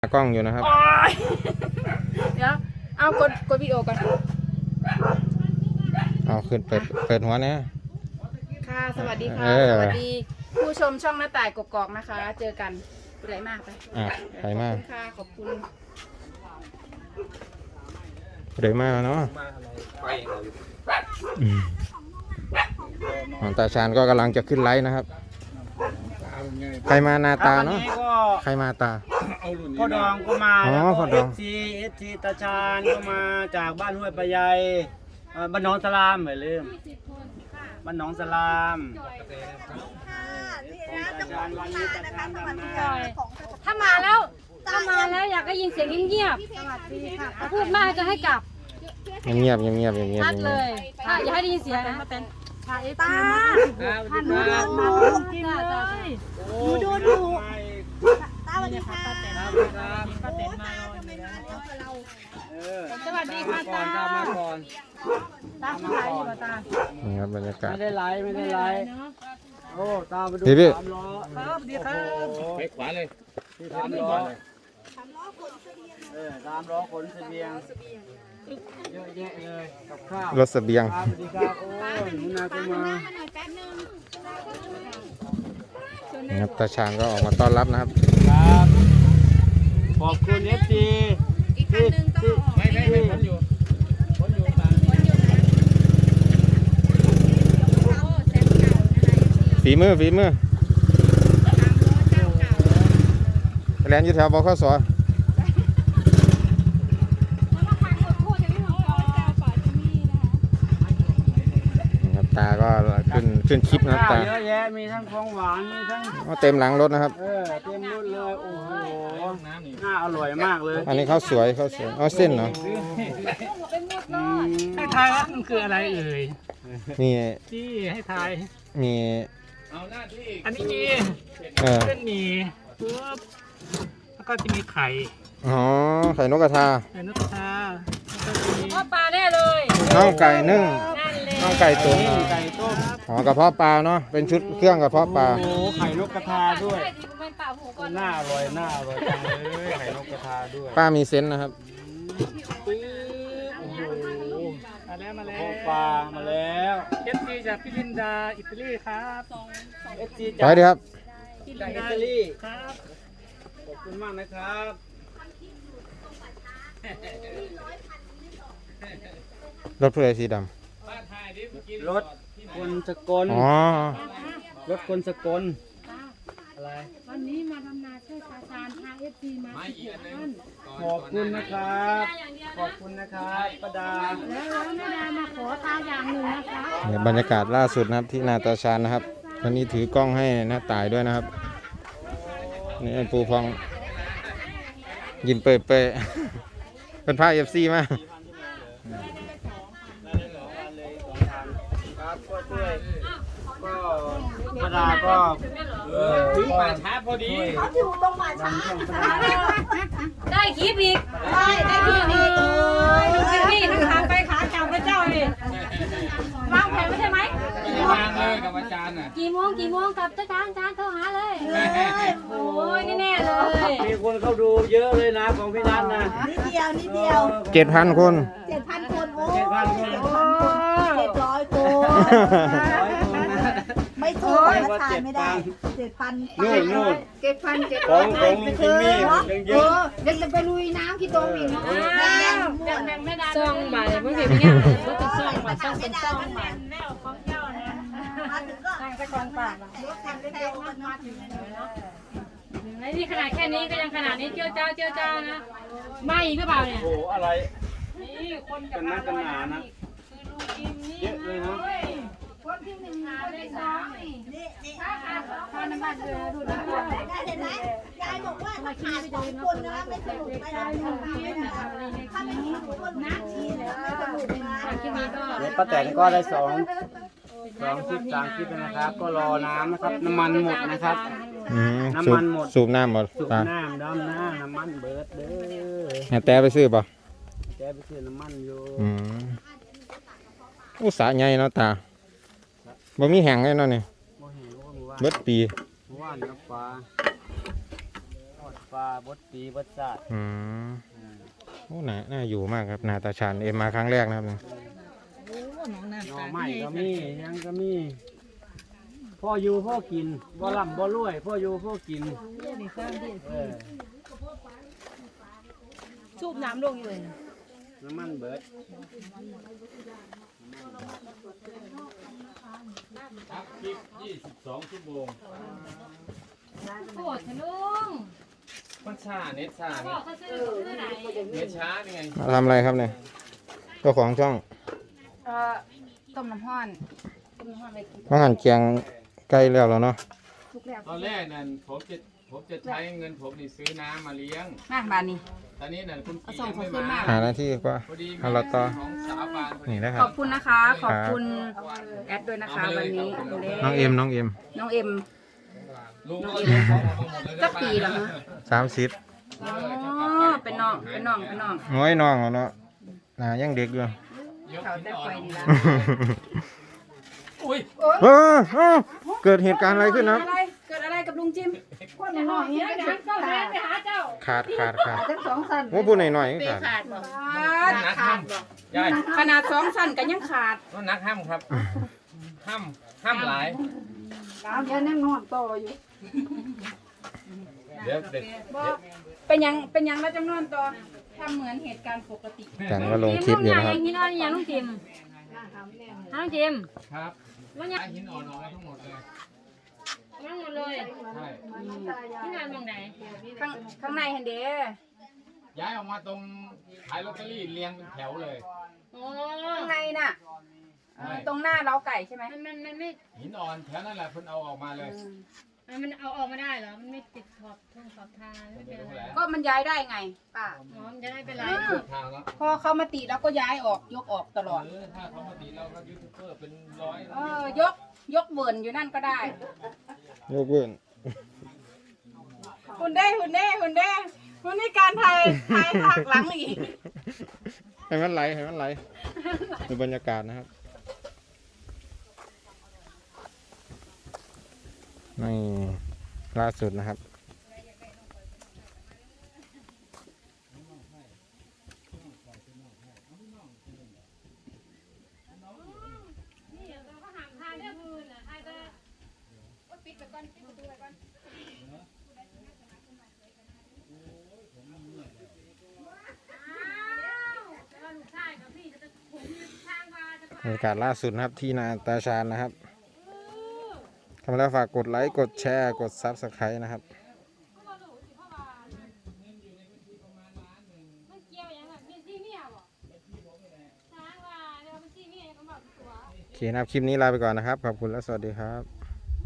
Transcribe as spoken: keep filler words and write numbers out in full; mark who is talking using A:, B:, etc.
A: กล้องอยู่นะครับ
B: เดี๋ยวเอากดกดวิดีโอก่อน
A: เอาขึ้นเปิดเปิดหัวนะ
B: ค่ะสวัสดีค่ะสวัสดีผู้ชมช่องหน้าต่ายกกอกนะคะเจอกันไปไหนมากไป
A: อ่ะไปมาก
B: ค่ะขอบคุณ
A: ไปมากเนาะของตาชาญก็กำลังจะขึ้นไลฟ์นะครับใครมานาตาเนาะใครมาตา
C: พ่อดองก็มา
A: อ๋อพ่อดอง
C: เอฟซีเอฟซีตาชาญก็มาจากบ้านห้วยปะไยบ้านหนองสลามไม่ลืมบ้านหนองสลาม
D: ถ้ามาแล้วถ้ามาแล้วอยากได้ยินเสียงเงียบๆพูดมากจะให้กลับ
A: เงียบเงียบเงียบเงียบเงียบ
D: ชัดเลยถ้าอย่าให้ได้ยินเสียงนะมาเต้นตาตาท่านดูดูกินเลยดูดูดูตาสวัสดีค่ะป้าเต้นมาสวัสดีค่ะตา
C: ตามมาก่อน
D: ตาสบายดีป่ะตา
A: นี่ครับบรรยากาศ
C: ไม่ได้ไลฟ์ไม่ได้ไลฟ์โอ้ตามไปดูสามล้อครับดีครับไปขวาเลยสามล้อสามล้อขนเสบียงเออสามล้อขนเสบียงเยอะแยะเลยกับข้าว
A: รถเสบียง
C: สวัสดีครับโอ้หนูนาก็มา
A: นี่ครับตาชาญก็ออกมาต้อนรับนะครับ
C: ครับขอบคุณเอฟซีอีกคันนึงต้องไม่ไม่ไม่ผมอยู่ผมอยู่ตาม
A: ฝีมือฝีมือแลนอยู่แถวบขสตาก็ขึ้นขึ้นคลิปนะครับตา
C: เยอะแยะมีทั้งของหวานมีทั้ง
A: เต็มหลังรถนะครับ
C: เออเต็มรถเลยโอ้โหน่าอร่อยมากเลย
A: อันนี้ข้าวสวยข้าวสวยอ๋อเส้นเนาะ
E: ให้ทายว่ามันคืออะไรเอ่ย
A: มี
E: ที่ให้ทาย
A: มี
E: อันนี้มี
A: เ
E: เส้นหมี่ปุ๊บแล้วก็จะมีไข่
A: อ๋อไข่นกกระทา
E: ไข่นกกระทา
D: พ่อปลาแน่เลย
A: น่องไก่นึ่งน่องไก่ตุ๋น
C: ไก่ต้ม
A: อ๋อกระเพาะปลาเนาะเป็นชุดเครื่องกระเพาะปลา
C: โอ้ไข่นกกระทาด้วยน่าอร่อยน่าอร่อยจังเลยไข่นกกระทาด้วย
A: ป้ามีเซนส์นะครับ
C: โอ้โห
E: มาแล้วมาแล้ว
C: ปลามาแล้ว
E: เอฟซีจากพี่ลินดาอิตาลีครับ
C: เอฟซี
A: จากไปดีครับ
C: จากอิตาลีครับขอบคุณมากนะครับ
A: รถเพื่อสีด
C: ำรถคนสกล
A: อ๋อ
C: รถคนสกลอะไร
D: วันนี้มาทำนาช่วยตาชาญพาเอฟซีมา
C: ขอบคุณนะครับขอบคุณนะครับป้าดา
D: แล้วแม่ดามาขอทาอย่างหนึ่งนะคะ
A: บรรยากาศล่าสุดนะครับที่นาตาชาญนะครับวันนี้ถือกล้องให้หน้าตายด้วยนะครับนี่ปูพองยินเปย์เปย์เป็นผ้าเอฟซีมา
C: ป้าดาก็
E: ถึงป่าช้าพอดี
D: เขาถึงตรงป่าช้าได้คลิปอีกได้ได้คลิปอีกคลิปนี่ทั้งขาไปขาเก่าพระเจ้าเลยวางแผนไม่ใช่ไหม
E: วางเลยกับอาจารย์น่ะ
D: กี่โมงกี่โมงกับอาจารย์อาจารย์โทรหาเลยโอ้ยแน่เลย
C: มีคนเข้าดูเยอะเลยนะของพี่นัทนะ
D: นิดเดียวนิดเดียว
A: เจ็ดพันคน
D: เจ็ดพันคนโอ้
C: เจ็ดพันคน
D: เจ็ดร้อยคนไม่สู้ประชาไม่ได้เจ็ดพัน
C: นู่นนู่น
B: เจ็ดพันเจ็ด
C: ของของลุงจิมมี่ยังเยอะ
B: เด็กจะไปลุยน้ำที่ตรงอีกเนาะ
D: แบ่งแบ่งไม่ได้
B: ซ่องใบเมื่อกี้เนี่ยก็เป็นซ่องใบซ่องเป็นซ่องใบ
D: แม่ของเจ้าเนี่ยมาถึงก็ทางตะกอนปากรถแข่งได้เร็วมันมาถึงเนาะนี่ขนาดแค่นี้ก็ยังขนาดนี้เจียวเจ้าเจียวเจ้านะไม่อีกหรือเปล่าเนี่ย
C: โอ้อะไร
D: นี่คน
C: กันนักกันหนานะเยอะเลยนะ
D: คนที่หนึ่งคนที่สองนี่นี่ถ้าขาดสองคนน้ำมันเดือดดูดได้เห็นไหมยายบอกว่าถ้าขาดสองคนนะไม่สนุกไม่ได้ถ้าไม่มีคนนัดทีแล้วไม่สนุกนะ
C: เนี่ยป้าแตนก็ได้สองสองคลิปสามคลิปนะครับ ก็รอน้ำนะครับน้ำมันหมดนะครับน้ำมันหมด
A: สูบน้ำหมด
C: สูบน้ำดำน้ำน้ำมันเบิดเด้อ
A: แต่ไปซื้อป่ะ
C: แต่ไปซื้อน้ำมันอยู่
A: อุตสาห์ใหญ่เนาะตาบ่มีแห้งเลยเนาะนี่เบิดปี
C: ว่านน้ำปลาปลาบดปีบดซาด
A: อืม
C: อืม
A: โอ้น่าน่าอยู่มากครับนาตาชานเอ็มมาครั้งแรกนะครับเนี่ย
E: โอ้น้องน้ำ
C: หน่อ
E: ตาล
C: ไม้ก็มียังก็มีพ่ออยู่พ่อกินบ่ร่ำบ่รวยพ่ออยู่พ่อกิน
E: นี่สร้างดี
C: เออ
E: สูบน้ำลงอยู่เลย
C: น้ำมันเบิด
F: ครับคลิปยี่สิบสองชั่วโมง
G: โกรธทะลุง
F: มันช้าเน็ตช้า
G: บ
F: นี่
G: อกเขาซื้อซื้อไหน
F: เน็ตช้านี่ไง
A: มาทำอะไรครับเนี่ยเจ้าของช่อง
B: เอ่อต้มน้ำห้อนต้มน้ำห้อนไปกิน
A: มาหั่นเกียงใกล้แล้วแล้วเนาะ
B: ทุกแล้ว
F: ตอนแรกนั่นผมจะผมจะใช้เงินผมนี่ซื้อน้ำมาเลี้ยง
B: มาบานนี้
F: ตอนนี้นั่นคุณ
B: เอา
F: กี
B: ส่ง
F: ยัง
B: เขา
F: ไม่
B: ขึ้น
F: มา
B: มา
A: หาหน้าที่ก็
F: พอดี
A: เอาละต่อ
F: ของสาวบานพอดี
A: นี่นะค
B: ข
A: รั
B: อ
A: บบ
B: คุณนะคะ ขอบคุณแอดด้วยนะคะวันนี้
A: น้องเอ็มน้องเอ็ม
B: น้องเอ็ม
F: ลุงก็เลยของมาหมดเลย
B: สักปีแล้วฮะ
A: สามสิบ
B: อ๋อเป็นน้องเป็นน้องเป็นน้อง
A: น้อยน้องแล้วเนาะน่ายังเด็กอยู่
F: ยก
B: เขา
F: หิน
B: แต่
F: อ่อ
B: ไฟ
F: น
B: นี่ละ
F: อุ้ย
A: เออเออเกิดเหตุการณ์อะไรขึ้นครับ
B: อะไรเกิดอะไรกับลุงจิม
G: คนหน่อยเนี่ยนะเจ้าแทนไปหาเจ้า
A: ขาดขาดขาด
D: ทั้งสองสัน
A: ว่าพูดหน่อยหน่อยๆก็ขาด
B: ขาดบ่ขาดขาดบ่
F: ยาย
B: ขนาดสองสั้นก็ยังขาด
F: ว่านักห้ามครับ ห้ามห้ามหลาย
D: เอาแค่นั่งนอนต่ออยู่
F: เดี๋ยวเด็ก
B: บ่เป็นยังเป็นยังแล้วจำนวนต่อทำเหมือนเหตุการณ์ปกติ
A: แต่ก็ลงคลิปอยู่นะครับ
G: หินอ่อนอย่างลุงจิมน้องจิม
F: ครับ
G: มันยัง
F: ย้ายหินอ่อนออกมาทั้งหมดเลย
G: นั่งหมดเลย
F: ใช่
G: ที่งานตรงไหน
B: ข้างข้างในเห็นเด้
F: ย้ายออกมาตรงขายลอตเตอรี่เรียงเป็นแถวเลย
G: โอ้
B: ข้างในน่ะเออตรงหน้าเล้าไก่ใช่ไหม
G: มันมันมันไม่
F: หินอ่อนแถวนั่นแหละเพิ่นเอาออกมาเลย
G: มันเอาออกมาได้เหรอ มันไม่ติดขอบทงขอบทางไม่เป็นอะไร
B: ก็มันย้ายได้ไงป้า
G: หมอมจะได้เป็นไร
F: ทางแล้ว
B: พอเขามาตีแล้วก็ย้ายออกยกออกตลอด
F: เออถ้าเขามาตีเราก็ยูทูบเบอร์เป็นร้อย
B: เออยกยกเวิร์นอยู่นั่นก็ได้
A: ยกเว้น
B: หุ่นเด้หุ่นเด้หุ่นเด้หุ่นนี่การไทยไทยภาคหลังอีก
A: ให้มันไหลให้มันไหลดูบรรยากาศนะครับนี่ล่าสุดนะครับ
G: นี่เราก็ห่างทางเรื่องมือน่ะใครจะ
B: ปิดไปก่อนปิดประตูไปก่อน
A: บรรยากาศล่าสุดนะครับที่นาตาชานนะครับทำแล้วฝากกดไลค์กดแชร์กดซับสไครต์นะครับ
G: มันเกี่ยวยังไงมีที่เมียบ่ทางว่าเดี๋ยวมันที่เมียก็บอกตัว
A: โอเคนะครับ คลิปนี้ลาไปก่อนนะครับ ขอบคุณและสวัสดีครับ